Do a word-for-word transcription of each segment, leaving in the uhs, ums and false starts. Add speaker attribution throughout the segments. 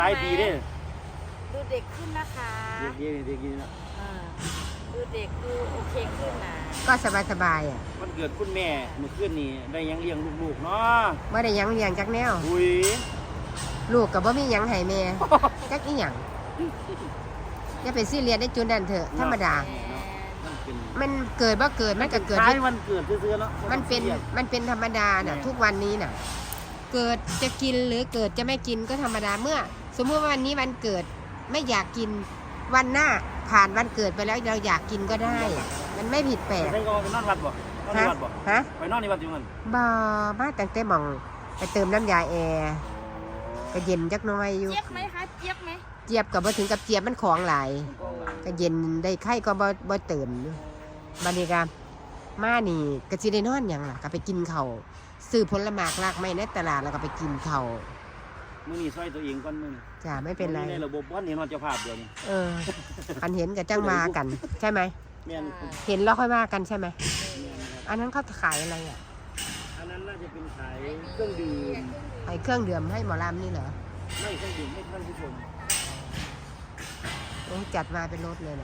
Speaker 1: ตายดีเด้
Speaker 2: ดูเด็กขึ้นนะคะ
Speaker 1: เด็กดีเด็กดีนะ
Speaker 2: ดูเด็กดูโอเคขึ้นนะ
Speaker 3: ก็สบายสบายอ่ะ
Speaker 1: วันเกิดคุณแม่เมื่อคืนนี้ได้ยังเลี้ยงลูกๆเนาะ
Speaker 3: ไม่ได้ยังเลี้ยงจักแนว
Speaker 1: อุ้ย
Speaker 3: ลูกกับบ่มียังให้แม่จักอีหยังอย่าไปซีเรียสได้จุดนั้นเถอะธรรมดามันเกิดบ่เกิดมันก็เกิด
Speaker 1: ท้ายวันเกิดซื่อๆเนาะ
Speaker 3: มันเป็นมันเป็นธรรมดาน่ะทุกวันนี้น่ะเกิดจะกินหรือเกิดจะไม่กินก็ธรรมดาเมื่อสมมติว่าวันนี้วันเกิดไม่อยากกินวันหน้าผ่านวันเกิดไปแล้วเราอยากกินก็ได้มันไม่ผิดแปลก
Speaker 1: ไปนอนวัดบ่นอนวัดบ่
Speaker 3: ฮะ
Speaker 1: ไปนอนในวัดอยู่มัน
Speaker 3: บ่มาตั้งแต่มองไปเติมน้ำยาแอร์ก็เย็นจักหน่อยอยู่
Speaker 2: เจี๊ยบไหมคะเจี๊ยบไหม
Speaker 3: เจี๊ยบกับบ่ถึงกับเจี๊ยบมันของหลายก็เย็นได้ไข่ก็บ่บ่เติมบัดนี้ก็มานี่ก็สิได้นอนหยังล่ะก็ไปกินข้าวซื้อผลไม้รากไม้ในตลาดแล้วก็ไปกินข้าว
Speaker 1: มื้อนี้ซอยตัวเองก่อนมื้อนี้
Speaker 3: จ้าไม่เป็นไร
Speaker 1: ในระบบวันนี้นอนเจ้าภาพเดียวนี่
Speaker 3: เอออันเห็นกับจ้างมากันใช่ไหมเห็นแล้วค่อยว่ากันใช่ไหมอันนั้นเขาขายอะไรอ่ะ
Speaker 1: อันนั้นน่าจะเป็นขายเครื่องดื่ม
Speaker 3: ขายเครื่องดื่มให้หมอลำนี่เหรอ
Speaker 1: ไม่เครื่องดื่มให้ท่านผู้ชม
Speaker 3: โอ้จัดมาเป็นรถเลยเหรอ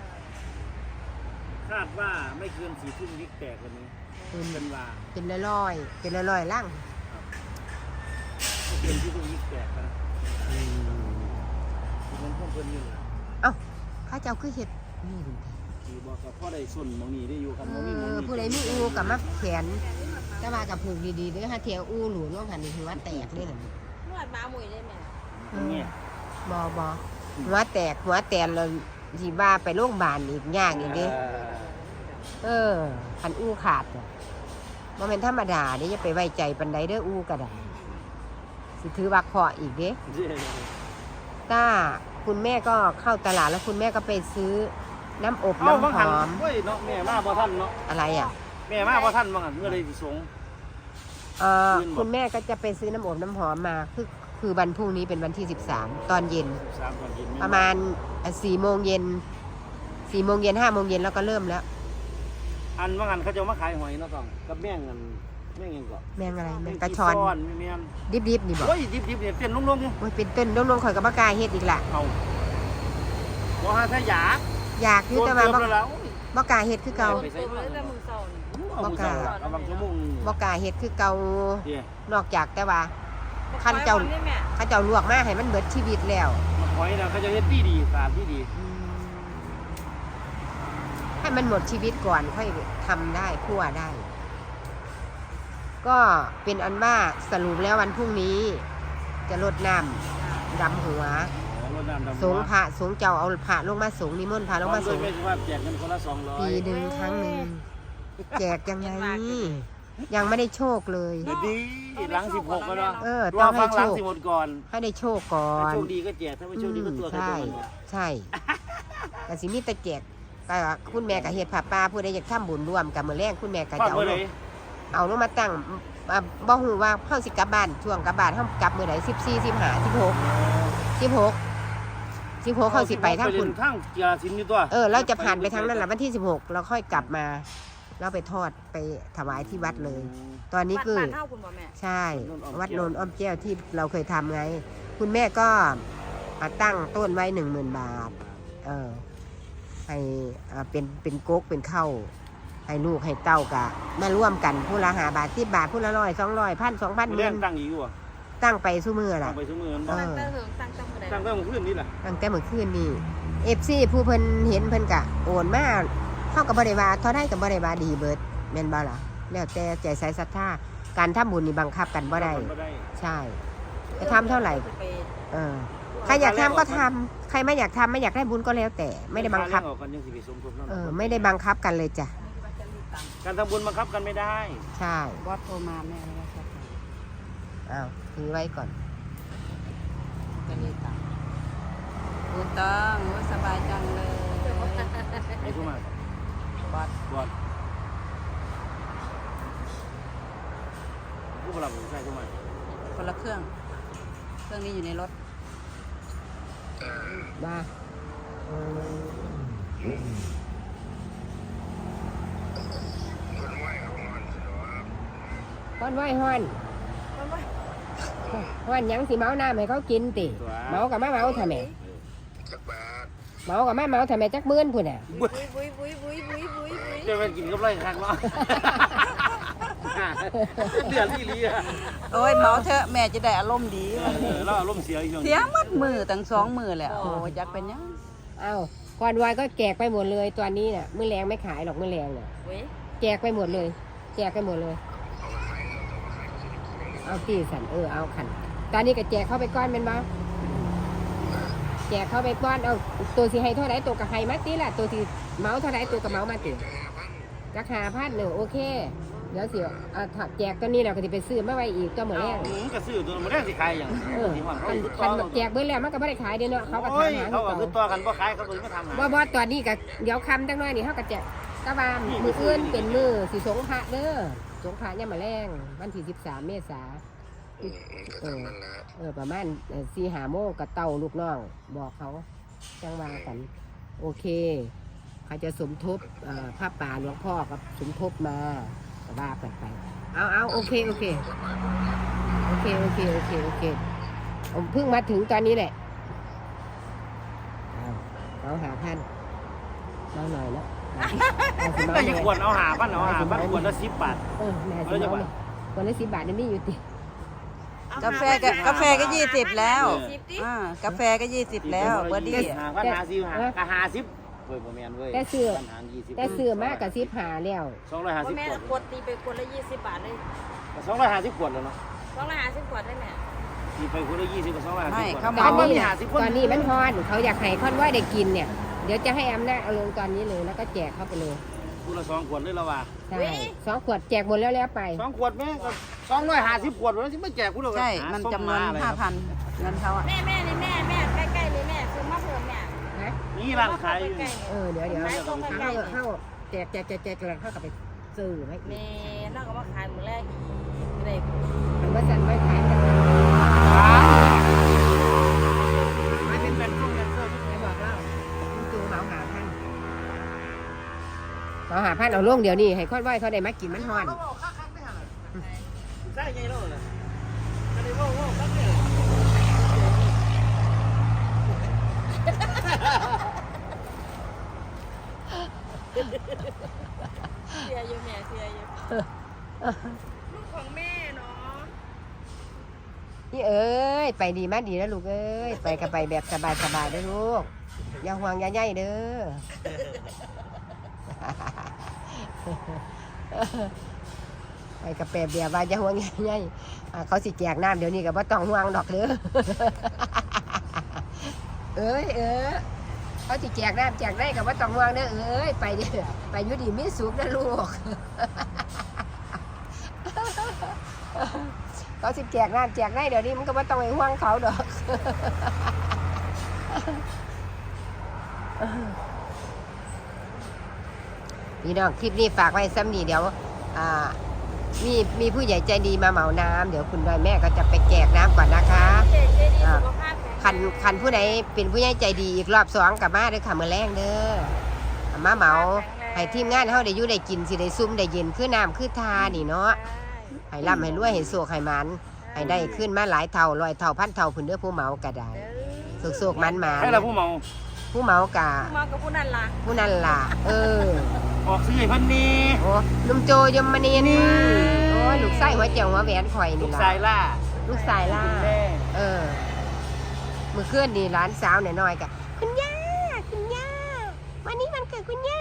Speaker 1: คาดว่าไม่เกินสี่ทุ่มวิกแตกวันนี้เป็นว่า
Speaker 3: เป็นลอยๆเป็นลอยๆล่าง
Speaker 1: เป็นที่ทุ่มวิกแตกนะมันพ่อเพิ่นอยู่
Speaker 3: เอ้าข้าเจ้าคือเห็ดนี่ดู
Speaker 1: ที่บอกกับพ่อได้ส่วนมองนี้ได้อยู่ครับมองนี้มอง
Speaker 3: นี้ผู้ใดมีอูกับมักแขนแต่ว่ากับผูกดีๆด้วยฮะเทียวอูหลุดล่องหันนี่ถือว่าแตกเลยเหรอน
Speaker 2: วดมาหมุยได้ไหม
Speaker 1: เนี่ย
Speaker 3: บอบอหัวแตกหัวแตนเราที่ว่าไปโรงพยาบาลอีกยากอีกดิเออพันอู้ขาดอ่ะมันเป็นธรรมดาเด้จะไปไว้ใจปันไดเด้ออู้กระดาสิถือว่าเคาะอีกเด้ถ้าคุณแม่ก็เข้าตลาดแล้วคุณแม่ก็ไปซื้อน้ำอบน้ำหอม
Speaker 1: เฮ้ยเนาะแม่มาพอท่านเนาะ
Speaker 3: อะไรอ่ะ
Speaker 1: แม่มาพอท่านบ้างอ่ะเมื่อไรสิสง
Speaker 3: เออคุณแม่ก็จะไปซื้อน้ำอบน้ำหอมมาคือคือวันพรุ่งนี้เป็นวันที่สิบสามตอนเย็นประมาณสี่โมงเย็นสี่โมงเย็นห้าโมงเย็นแล้วก็เริ่มแล้ว
Speaker 1: อันว่างันเขาจะมาขายหอยเนาะต้องกับแม่งเงินแม่งยังก็
Speaker 3: แม่งอะไรแม่งกระชอนดิบดิบนี่บอก
Speaker 1: โอ้ยดิบดิบเนี่ยเป็นลุ่งๆเนี่ย
Speaker 3: โอ้ยเป็นต้นลุ่งๆข่อยกับมะกาเฮ็ดอีกละ
Speaker 1: เอาบ่ฮะถ้าอยาก
Speaker 3: อยากอยู่แต่ว่าบ่กาเฮ็ดคือเก่า
Speaker 1: บ่กา
Speaker 3: บ่กาเฮ็ดคือเก่านอกจากแต่ว่าคันเจ้าคันเจ้าลวกมาให้มันเบิดชีวิตแล้ว
Speaker 1: หอยน่ะเขาจะเฮ็ดดีดีสะอาดที่ดี
Speaker 3: ให้มันหมดชีวิตก่อนค่อยทำได้คั่วได้ก็เป็นอันว่าสรุปแล้ววันพรุ่งนี้จะรดน้ำดำหัวสงพระสงเจ้าเอาพระลงมาสงนิมนต์พระลงมาสงปีหนึ่งครั้งหนึ่งแจกยังไงยังไม่ได้โชคเลย
Speaker 1: เดี๋ยวดีหลังสิบหกแล้ว
Speaker 3: เออต้องให้โชค
Speaker 1: ก่อน
Speaker 3: ให้ได้โชคก่อน
Speaker 1: โชคดีก็แจกถ้าไม่โชคดีก็ตัว
Speaker 3: ใช่ใช่แต่สิมีแต่แจกก็คุณแม่กับเฮ็ดผ้าป่าผู้ใดอยากทำบุญร่วมกับมื้อแรกคุณแม่ก็จะเอาเอาลงมาตั้งบ่ฮู้ว่าเฮาสิกลับบ้านช่วงกลับบ้านเฮากลับมื้อใดสิบสี่ สิบห้า สิบหก สิบหก สิบหกเฮาสิไปทางคุณ
Speaker 1: ทางเกียรติอยู่ตัว
Speaker 3: เออเราจะผ่านไปทางนั้นล่ะวันที่สิบหกเราค่อยกลับมาเราไปทอดไปถวายที่วัดเลยตอนนี้คือใช่วัดโนนอ้อมแก้วที่เราเคยทำไงคุณแม่ก็ตั้งต้นไว้หนึ่งหมื่นบาทเออให้เป็นเป็นก๊กเป็นเข้าให้ลูกให้เต้ากะมาร่วมกันผู้ละหาบาทสิบบาทผู้ละร้อยสองร้อยพันสองพันเงิน
Speaker 1: ตั้งอยู่
Speaker 3: ตั้งไปสู้มือล่ะ
Speaker 1: ตั้งไปสู้มือ
Speaker 3: เออ
Speaker 1: ตั้งตั้งแต่เมื่อคืนนี่แหละ
Speaker 3: ตั้งแต่เมื่อคืนนี่เอฟซีผู้เพิ่นเห็นเพิ่นกะโอนมาเท่ากับบริวารเท่าได้กับบริวารดีเบิร์ดแม่นบ่ล่ะแล้วแต่ใจใส่ศรัทธาการทำบุญนี่บังคับกันบ่ได้ใช่จะทำเท่าไหร่เออใครอยากทำก็ทำใครไม่อยากทำไม่อยากได้บุญก็แล้วแต่ไม่ได้บังคับเออไม่ได้บังคับกันเลยจ้ะ
Speaker 1: การทำบุญบังคับกันไม่ได้
Speaker 3: ใช่
Speaker 2: วัดโทรมาแม่แล้วครับ
Speaker 3: อ้าวถือไว้ก่อน
Speaker 2: จะนี่ตังบุญต้องสบายจังเลย
Speaker 1: ไอ้ผู้มา
Speaker 2: วัด
Speaker 1: วัดผู้รับใช่ผู้มา
Speaker 2: คนละเครื่องเครื่องนี้อยู่ในรถ
Speaker 3: มาฮ้อนไหวฮ้อนเพราะว่าหยังสิเมาน้ำให้เขากินติเมากับมาเมาทำไมเมากับมาเมาทำไมจักมื่นพุ่นอ่ะ
Speaker 2: บุ้ยบุ้ยบุ้ยบุ้ยบุ้ยบุ้ยบุ้ย
Speaker 1: จะเป็นกินกับไรคักเนาะเดือดที่ลีอ่ะ
Speaker 2: โอ้ยเมาเถอะแม่จะได้อารมณ์ดี
Speaker 1: เออแล้วอารมณ์เสียอีก
Speaker 2: เสียมัดมือตั้งสองมือแหละโอ้ยจักเป็นยัง
Speaker 3: เอ้าก่อนวายก็แจกไปหมดเลยตอนนี้น่ะมื้อแรงไม่ขายหรอกมื้อแรงน่ะแจกไปหมดเลย แจกไปหมดเลยเอาตีสันเออเอาขันตอนนี้ก็แจกเข้าไปก้อนเป็นบ้าแจกเข้าไปก้อนเอาตัวสีให้เท่าไหร่ตัวกับไฮมาตีล่ะตัวสีเมาเท่าไหร่ตัวกับเมามาตีราคาพันหนึ่งโอเคเดี๋ยวสิเอาถักแจกตัวนี้เราก็จะไปซื้อมาไว้อีกตัวเหมือนแรก
Speaker 1: ก็ซื้อตัวมันแรกสิขายอย่าง
Speaker 3: เออคันคันแจกเบิ้ลแล้วมันก็ไม่ได้ขายเด้เนาะเขาก็ทำหา
Speaker 1: เขาก็คือตัวกันบ่ขายเขาตัวไม่ทำหา
Speaker 3: บ่บ่ตอนนี้ก็เดี๋ยวคำจังน้อยนี่เขาก็แจกกะว่ามืออื่นเป็นมือสิสงพระเด้อสงพระเนี่ยมาแรงวันที่สิบสามเมษาเออเออประมาณสี่หาโมงกับเต่าลูกน้องบอกเขาจังว่ากันโอเคเขาจะสมทบพระป่าหลวงพ่อกับสมทบมาก็ว่าไปไปเอาเอาโอเคโอเคโอเคโอเคโอเคโอเคผมเพิ่งมาถึงตอนนี้แหละเอาเอาหาพันเอาหน่อยแล้ว
Speaker 1: แต่ยังควรเอาหาบ้านเอาหาบ้านควรละสิบบาท
Speaker 3: เออแม่สิเอาเลยคนละสิบบาทนี่มีอยู่ติ
Speaker 2: กาแฟก็กาแฟก็ยี่สิบแล้วอ่ากาแฟก็ยี่สิบแล้วเบอร์ดี้
Speaker 1: หาพันหาสิบหากะหาสิบเว้ยบ่แม่นเว้ย
Speaker 3: แต่ซื้อ
Speaker 1: พันหายี่สิบ
Speaker 3: แต่ซื้อมากกับสิบหาแล้ว
Speaker 1: สองร้อยห้าสิบ
Speaker 4: แม่
Speaker 1: ขวด
Speaker 4: ขวดตีไปขวดละยี่สิบบาทเลย
Speaker 1: สองร้อยห้าสิบขวดแล้วเนาะ
Speaker 4: สองร้อยห้าสิบขวดได้แม่
Speaker 1: ตีไปขวดละยี่สิบกับสองร้อยห้าสิบขวด
Speaker 3: ตอนนี้ตอนนี้มันฮอนเขาอยากให้คอนว่าได้กินเนี่ยเดี๋ยวจะให้อำนาจเอาลงตอนนี้เลยแล้วก็แจกเข้าไปเลย
Speaker 1: คูละสองขวดเลยละว่า
Speaker 3: ใช่สองขวดแจกหมดแล้วแล้วไป
Speaker 1: สองขวดแม่ก็สองร้อยห้าสิบขวดแล้วที่ไม่แจกกูเลย
Speaker 2: ใช่มันจำนวนห้าพันเงินเขาอ่ะ
Speaker 4: แม่แม่นี่แม่แม่ใกล้ๆเลยแม่ซื้อมาเพิ่มแม่
Speaker 3: นะ
Speaker 1: นี่ร้านขายอยู่
Speaker 4: ใกล้
Speaker 3: เออเดี๋ยวเดี๋ยวเข้าเข้าแจกแจกแจกแจกแล้วเข้ากับไปซื้อไหม
Speaker 4: ๆแม่แล้วก็มาขายมื้อแรกอีกเลย
Speaker 3: มันว่าสันไว้ขายกัน
Speaker 1: ไม่เป็นเป็นพวกเงินเพิ่ม
Speaker 3: ไม่บอกเล่ามันจูเหมาหาพันเหมาหาพันเอาลงเดี๋ยวนี้ให้คอนว่าเขาได้มากินมันฮอน
Speaker 1: ใช่ไงล่ะก็ได้ว่าว่าครับเนี่ย
Speaker 4: เสียอยู่แม่เสียอยู่ลูกของแม่เนาะ
Speaker 3: นี่เอ้ยไปดีมากดีแล้วลูกเอ้ยไปกับไปแบบสบายสบายเด้อลูกอย่าห่วงอย่าใหญ่เด้อ ไปกับแปบเบียว่าอย่าห่วงอย่าใหญ่อ่าเขาสิแจกน้ำเดี๋ยวนี้ก็บ่ต้องห่วงดอกเด้อ เอ้ยเออเขาสิแจกน้ำแจกได้ก็บ่ต้องห่วงเด้อเอ้ยไปดิไปอยู่ดีมีสุขนะลูก เขาสิแจกน้ำแจกได้เดี๋ยวนี้มันก็ไม่ต้องไปห่วงเขาดอก พี่น้องคลิปนี้ฝากไว้ซ้ำนี่เดี๋ยวอ่ามีมีผู้ใหญ่ใจดีมาเหมาน้ำเดี๋ยวคุณดอยแม่ก็จะไปแจกน้ำก่อนนะคะ
Speaker 4: เจ๊เจ๊ดีสุขภาพแข็ง
Speaker 3: คันคันผู้ใดเป็นผู้ใหญ่ใจดีอีกรอบสองกลับมาเด้อค่ะมื้อแรงเด้อมาเหมาให้ทีมงานเฮาได้อยู่ได้กินสิได้ซุ่มได้เย็นคือน้ำคือทานี่เนาะให้ร่ำให้รวยให้โศกให้มันให้ได้ขึ้นมาหลายเท่าร้อยเท่าพันเท่าพุ่นเด้อผู้เหมาก็ได้โศกๆมันมา
Speaker 1: ให้เราผู้เมา
Speaker 3: ผู้เหมากะ
Speaker 4: มากับผู้นั่นล่ะ
Speaker 3: ผู้นั้นล่ะ เออ
Speaker 1: ออกซื้อให้พันนี้
Speaker 3: โอ้ลุงโจยมณีนโอ้ยลูกไส้หัวเจียวหัวแหวนข่อย
Speaker 1: ลู
Speaker 3: นี่
Speaker 1: ก
Speaker 3: ล่ะ
Speaker 1: ชายล่า
Speaker 3: ลูกสายล่า
Speaker 1: แม่
Speaker 3: เออมือเคลื่อนนี่ร้านสาวหน่อยๆกะคุณย่าคุณย่าวันนี้วันเกิดคุณย่า